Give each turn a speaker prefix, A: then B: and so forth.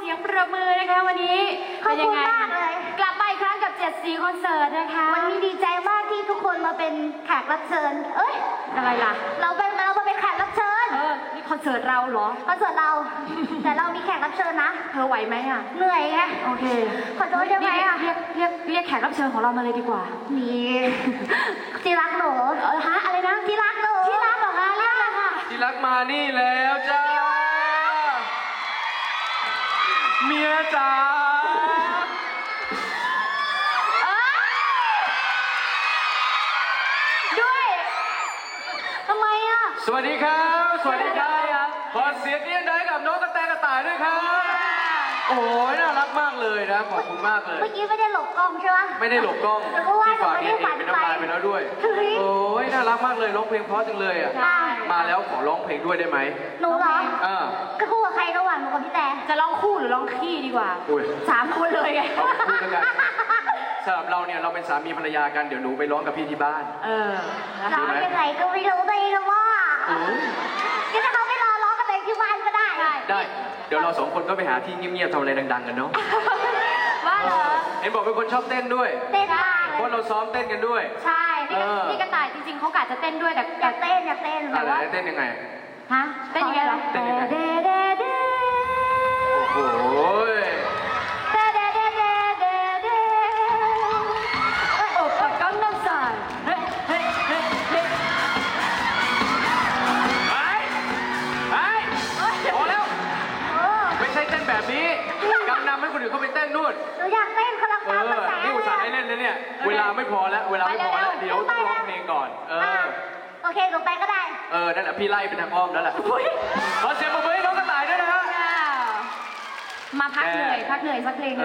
A: สียงประมือนะคะวันนี้เป็นยังไงกลับมาอีกครั้งกับ7 สีคอนเสิร์ตนะคะ
B: วันนี้ดีใจมากที่ทุกคนมาเป็นแขกรับเชิญเอ้ย
A: อะไรล่ะ
B: เรามาเป็นแขกรับเชิญ
A: นี่คอนเสิร์ตเราเหรอ
B: คอนเสิร์ตเรา แต่เรามีแขกรับเชิญนะ
A: เธอไหวไหมอ่ะ
B: เหนื่อยไง
A: โอเค
B: ขอโทษได้ไหมอ่ะ
A: เรียกแขกรับเชิญของเรามาเลยดีกว่า
B: นี่ที่รักหนู
A: ฮะอะไรนะ
B: ที่รักหนู
A: ที่รักเหรอคะเรียกเลยค่ะ
C: ที่รักมานี่แล้วจ้าเมียจ๋า
A: ด้วยทำไมอ่ะ
C: สวัสดีครับสวัสดีครับขอเสียงเรียกได้กับน้องกระแตกระต่ายด้วยครับโอ้ยน่ารักมากเลยนะขอบคุณมากเลย
B: เมื่อกี้ไม่ได้หลบกล้องใช่ไหม
C: ไม่ได้หลบกล้องที่ฝากเองเป็นน้ำลายไปแล้วด้วยโอ้ยน่ารักมากเลยร้องเพลงเพราะจังเลยอ่ะมาแล้วขอร้องเพลงด้วยได้ไหม
B: หนูเหรอก็คู่กับใครระหว่างหนูกับพี่แต่
A: จะร้องคู่หรือร้องขี้ดีกว่า3 คนเลยไง
C: คู่แล้วกันสำหรับเราเนี่ยเราเป็นสามีภรรยากันเดี๋ยวหนูไปร้องกับพี่ที่บ้าน
B: ร้องยังไงก็ไม่รู้ตัวเองว่าก็จะเขาไม่รอร้องกันเลยที่บ้านก็ได้
C: ได้เดี๋ยวเรา2 คนก็ไปหาที่เงียบๆทำอะไรดังๆกันเนาะ
A: ว่าเหรอ
C: เห็นบอกเป็นคนชอบเต้นด้วย
B: เต้นมาก
C: เพราะเราซ้อมเต้นกันด้วย
A: ใช่นี่กระต่ายจริงๆเขากะจะเต้นด้วยแต่
B: อยากเต้น
C: แต่ว่าเต้นยังไง
A: ฮะเต้นยังไงล่ะ
C: เต้นยังไงโอ้โห
A: กังนัมสายเฮ้ย
C: พอแล้วไม่ใช่เต้นแบบนี้กังนำให้คนอื่นเขาไปเต้นนู่น
B: หนูอยากเต้นคนละตามภาษา
C: นี่อุตส่าห์ให้เล่นนะเนี่ยเวลาไม่พอแล้วเดี๋ยวต้องร้องเพลงก่อน
B: โอเคหนูไปก็ได้
C: นั่นแหละพี่ไล่เป็นทางอ้อมแล้วแหละขอเสียงปรบมือให้น้องกระต่ายด้วยนะฮะ
A: มาพักเหนื่อยสักเพลง